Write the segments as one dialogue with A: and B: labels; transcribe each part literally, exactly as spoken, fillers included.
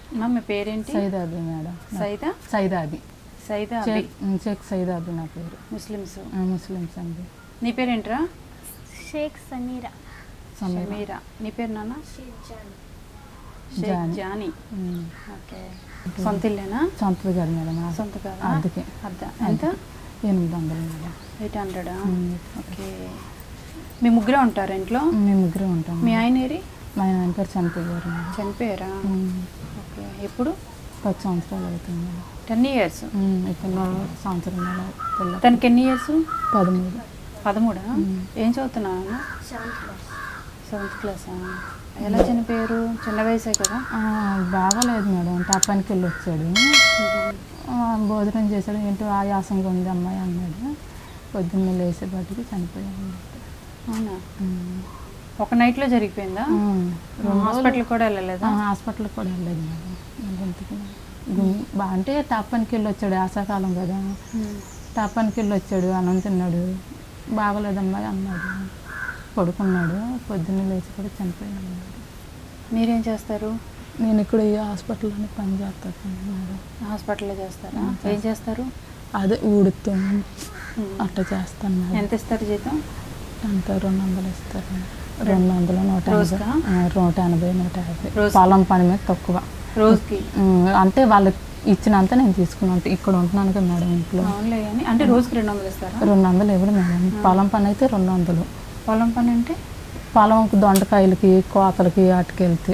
A: మా మీ పేరేంటి?
B: సైదాబి మేడం.
A: సైదా
B: సైదాబి
A: సైదా
B: షేక్ సైదాబి నా పేరు.
A: ముస్లిమ్స్
B: ముస్లిమ్స్ అండి.
A: నీ పేరేంట్రా?
C: షేక్ సమీరా.
A: సమీరా. నీ పేరు నాన్న?
B: జానీ.
A: జానీ. ఓకే. సొంత ఇల్లేనా?
B: సొంతది కాదు మేడం,
A: సొంత కాదు.
B: అద్దెకి.
A: అద్దె ఎంత?
B: ఎనిమిది వందలు మేడం.
A: ఎయిట్ హండ్రెడా? ఓకే. మీ ముగ్గురే ఉంటారు ఇంట్లో?
B: మేము ముగ్గురే ఉంటాం.
A: మీ ఆయన ఏరి?
B: మా ఆయన పేరు చనిపోయారు.
A: చనిపోయారా? ఓకే. ఎప్పుడు?
B: పది సంవత్సరాలు అవుతుంది మేడం.
A: Ten years.
B: పిల్ల సంవత్సరం పిల్ల.
A: తనకి ఎన్ని ఇయర్స్?
B: పదమూడు.
A: పదమూడా? ఏం చదువుతున్నాను? సెవెంత్ క్లాసా? ఎలా చనిపోయారు? చిన్న వయసే కదా.
B: బాగాలేదు మేడం. టపానికి వెళ్ళి వచ్చాడు, భోజనం చేశాడు, ఏంటో ఆయాసంగా ఉంది అమ్మాయి అన్నాడు. పొద్దున్న లేసేపాటికి చనిపోయాడు.
A: అవునా? ఒక నైట్లో జరిగిపోయిందా? హాస్పిటల్ కూడా వెళ్ళలేదా?
B: హాస్పిటల్కి కూడా వెళ్ళలేదు మేడం. ఇంటికి బా అంటే టపానికి వెళ్ళి వచ్చాడు, ఆశాకాలం కదా. టపానికి వెళ్ళి వచ్చాడు, అన్నం తిన్నాడు, బాగలేదు అమ్మాయి అన్నాడు, పడుకున్నాడు. పొద్దున్న లేచి కూడా చనిపోయాడు.
A: మీరేం చేస్తారు?
B: నేను ఇక్కడ ఈ హాస్పిటల్లోనే పని చేస్తాను మేడం.
A: హాస్పిటల్లో చేస్తారా? ఏం చేస్తారు?
B: అదే ఊడుతూ అట్లా చేస్తాను మేడం.
A: ఎంత ఇస్తారు జీతం?
B: అంత రెండు వందలు ఇస్తారు. రెండు వందలు నూట ఎనభై నూట ఎనభై నూట యాభై పొలం పని మీద తక్కువ
A: రోజుకి.
B: అంటే వాళ్ళు ఇచ్చినంత నేను తీసుకున్నాను. ఇక్కడ ఉంటున్నాను కదా మేడం ఇంట్లో.
A: అంటే రోజుకి రెండు వందలు ఇస్తారా?
B: రెండు వందలు ఇవ్వడు మేడం. పొలం పని అయితే రెండు వందలు.
A: పొలం పని అంటే
B: పొలం దొండకాయలకి కోతలకి వాటికి వెళ్తే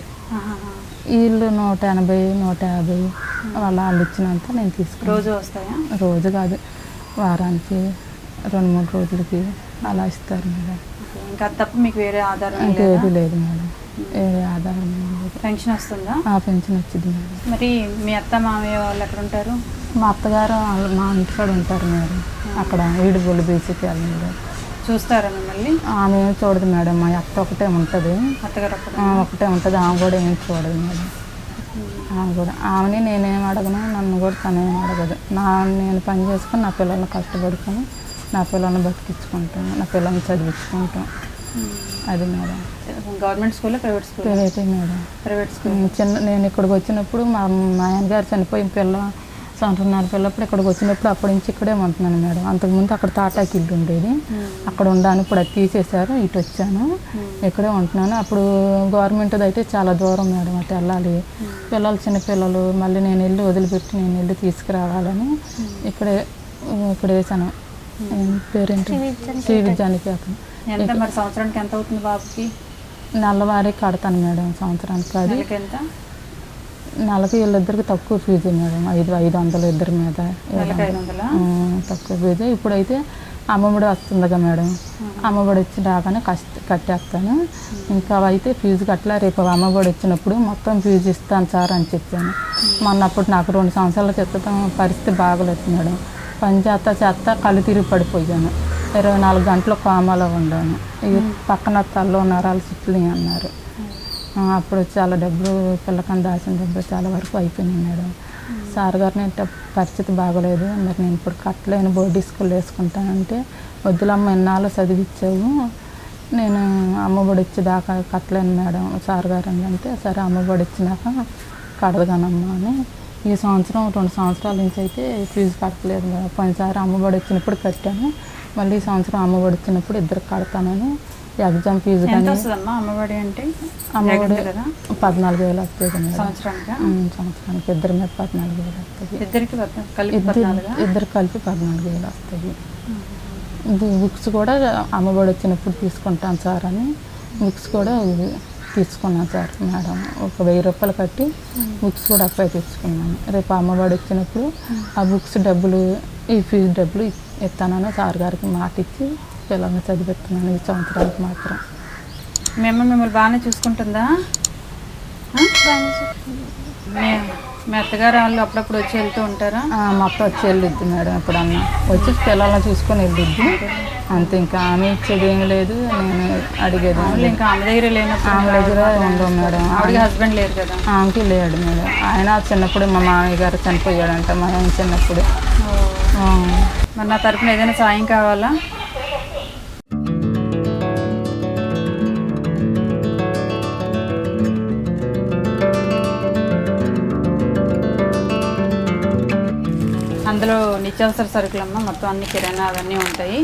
B: వీళ్ళు నూట ఎనభై నూట యాభై వాళ్ళ వాళ్ళు ఇచ్చినంత నేను తీసుకున్నాను.
A: రోజు వస్తాయా?
B: రోజు కాదు, వారానికి రెండు మూడు రోజులకి అలా ఇస్తారు మేడం.
A: ఇంకా తప్ప మీకు వేరే ఆధారం
B: ఇంకేది లేదు మేడం. వేరే ఆధారం లేదు.
A: పెన్షన్ వస్తుందా?
B: పెన్షన్ వచ్చింది మేడం.
A: మరి మీ అత్త మామయ్య వాళ్ళు ఎక్కడ ఉంటారు?
B: మా అత్తగారు మా ఇంటికాడ ఉంటారు మేడం. అక్కడ ఈడుగోలు బీచ్కి వెళ్ళి
A: చూస్తారా మిమ్మల్ని?
B: ఆమె ఏమి చూడదు మేడం. మా అత్త ఒకటే ఉంటుంది.
A: అత్తగారు
B: ఒకటే ఉంటుంది. ఆమె కూడా ఏమి చూడదు మేడం. ఆమె కూడా ఆమెని నేనేం అడగను, నన్ను కూడా తనేం అడగదు. నా నేను పని చేసుకొని నా పిల్లల్ని కష్టపడుకొని నా పిల్లల్ని బతికించుకుంటాను, నా పిల్లల్ని చదివించుకుంటాం. అది madam.
A: Government school private school?
B: ప్రైవేటే మేడం.
A: Private school.
B: చిన్న నేను ఇక్కడికి వచ్చినప్పుడు మా మా ఆయన గారు చనిపోయిన పిల్ల సంవత్సరంన్నర పిల్లప్పుడు ఇక్కడికి వచ్చినప్పుడు అప్పటి నుంచి ఇక్కడే ఉంటున్నాను మేడం. అంతకుముందు అక్కడ తాటాకి ఇల్లు ఉండేది, అక్కడ ఉండాను. ఇప్పుడు అది తీసేశారు, ఇటు వచ్చాను, ఇక్కడే ఉంటున్నాను. అప్పుడు గవర్నమెంట్ది అయితే చాలా దూరం మేడం, అటు వెళ్ళాలి. పిల్లలు చిన్నపిల్లలు, మళ్ళీ నేను వెళ్ళి వదిలిపెట్టి నేను వెళ్ళి తీసుకురావాలని ఇక్కడే ఇక్కడ వేసాను. పేరేంటి? శ్రీ విద్యానికేతన్.
A: ఎంత మరి సంవత్సరానికి ఎంత అవుతుంది బాబుకి?
B: నెలవారీ కడతాను మేడం సంవత్సరానికి. అది
A: ఎంత?
B: నెలకి వీళ్ళిద్దరికి తక్కువ ఫీజు మేడం. ఐదు ఐదు వందలు ఇద్దరి మీద తక్కువ ఫీజు. ఇప్పుడైతే అమ్మఒడి వస్తుందిగా మేడం, అమ్మఒడి వచ్చి రాగానే కష్ట కట్టేస్తాను. ఇంకా అయితే ఫీజు కట్టలే, రేపు అమ్మఒడి వచ్చినప్పుడు మొత్తం ఫీజు ఇస్తాను సార్ అని చెప్పాను. మొన్నప్పుడు నాకు రెండు సంవత్సరాల క్రితం పరిస్థితి బాగలేదు మేడం. పని చేస్తా చేస్తా కళ్ళు తిరిగి పడిపోయాను. ఇరవై నాలుగు గంటలు కోమాలో ఉన్నాను. ఈ పక్కన తల్లో నరాలు చిట్లి అన్నారు. అప్పుడు చాలా డబ్బులు పిల్లకని దాచిన డబ్బులు చాలా వరకు అయిపోయినాయి మేడం. సార్ గారు నేను పరిస్థితి బాగోలేదు, మరి నేను ఇప్పుడు కట్టలేను, బోర్డు స్కూల్ వేసుకుంటానంటే వద్దులమ్మ ఎన్నాళ్ళు చదివించావు, నేను అమ్మఒడి వచ్చేదాకా కట్టలేను మేడం సార్ గారు అంటే, సరే అమ్మఒడి వచ్చినాక కడదగానమ్మా అని. ఈ సంవత్సరం రెండు సంవత్సరాల నుంచి అయితే ఫీజు కట్టలేదు మేడం. పోయినసారి అమ్మఒడి వచ్చినప్పుడు కట్టాను, మళ్ళీ ఈ సంవత్సరం అమ్మఒడి వచ్చినప్పుడు ఇద్దరు కడతానని. ఎగ్జామ్ ఫీజు కానీ
A: అమ్మఒడి అంటే
B: అమ్మఒడి పద్నాలుగు వేలు వస్తుంది
A: సంవత్సరానికి.
B: సంవత్సరానికి ఇద్దరి మీద పద్నాలుగు వేలు వస్తుంది.
A: ఇద్దరికి
B: ఇద్దరు కలిపి పద్నాలుగు వేలు వస్తాయి. బుక్స్ కూడా అమ్మఒడి వచ్చినప్పుడు తీసుకుంటాను సార్ అని బుక్స్ కూడా తీసుకున్నాను సార్ మేడం. ఒక వెయ్యి రూపాయలు కట్టి బుక్స్ కూడా అప్లై తెచ్చుకున్నాను. రేపు అమ్మఒడి వచ్చినప్పుడు ఆ బుక్స్ డబ్బులు ఈ ఫీజు డబ్బులు ఇస్తానని సార్ గారికి మాట ఇచ్చి పిల్లల్ని చదివిస్తున్నాను ఈ సంవత్సరానికి మాత్రం.
A: మేము మిమ్మల్ని బాగానే చూసుకుంటుందా? మీ అత్తగారు వాళ్ళు అప్పుడప్పుడు వచ్చి వెళ్తూ ఉంటారా?
B: మా అత్త వచ్చి వెళ్ళిద్ది మేడం, ఎప్పుడన్నా వచ్చి పిల్లల్ని చూసుకొని వెళ్ళిద్ది అంతే. ఇంకా ఆమె ఇచ్చేది ఏం లేదు, నేను అడిగేది
A: ఇంకా ఆమె దగ్గర లేనప్పుడు.
B: ఆమె దగ్గర ఉండవు మేడం.
A: ఆవిడకి హస్బెండ్ లేరు కదా?
B: ఆమెకి లేడు మేడం. ఆయన చిన్నప్పుడు మా మామయ్య గారు చనిపోయాడంట, మా ఆయన చిన్నప్పుడు.
A: మరి నా తరపున ఏదైనా సాయం కావాలా? అందులో నిత్యావసర సరుకులమ్మ, మొత్తం అన్ని కిరాణా అవన్నీ ఉంటాయి.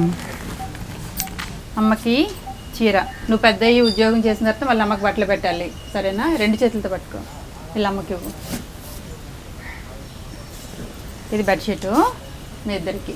A: అమ్మకి చీర, నువ్వు పెద్ద అయ్యి ఉద్యోగం చేసిన తర్వాత వాళ్ళ అమ్మకి బట్టలు పెట్టాలి, సరేనా? రెండు చేతులతో పట్టుకో, వీళ్ళ అమ్మకి ఇవ్వు. ఇది బెడ్షీటు మీ ఇద్దరికి.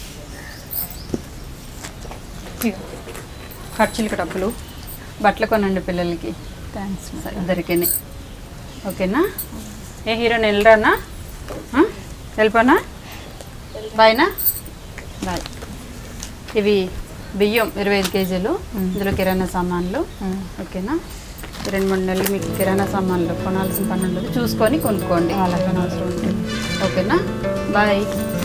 A: ఖర్చులకి డబ్బులు, బట్టలు కొనండి పిల్లలకి.
B: థ్యాంక్స్.
A: ఇద్దరికి. ఓకేనా? ఏ హీరోని వెళ్ళరానా? వెళ్ళిపోనా? బాయ్నా? బాయ్. ఇవి బియ్యం ఇరవై ఐదు కేజీలు, ఇందులో కిరాణా సామాన్లు. ఓకేనా? రెండు మూడు నెలలు మీకు కిరాణా సామాన్లు కొనాల్సిన పని ఉండదు, చూసుకొని కొనుక్కోండి. అలాగే అవసరం ఉంటుంది. ఓకేనా? బాయ్.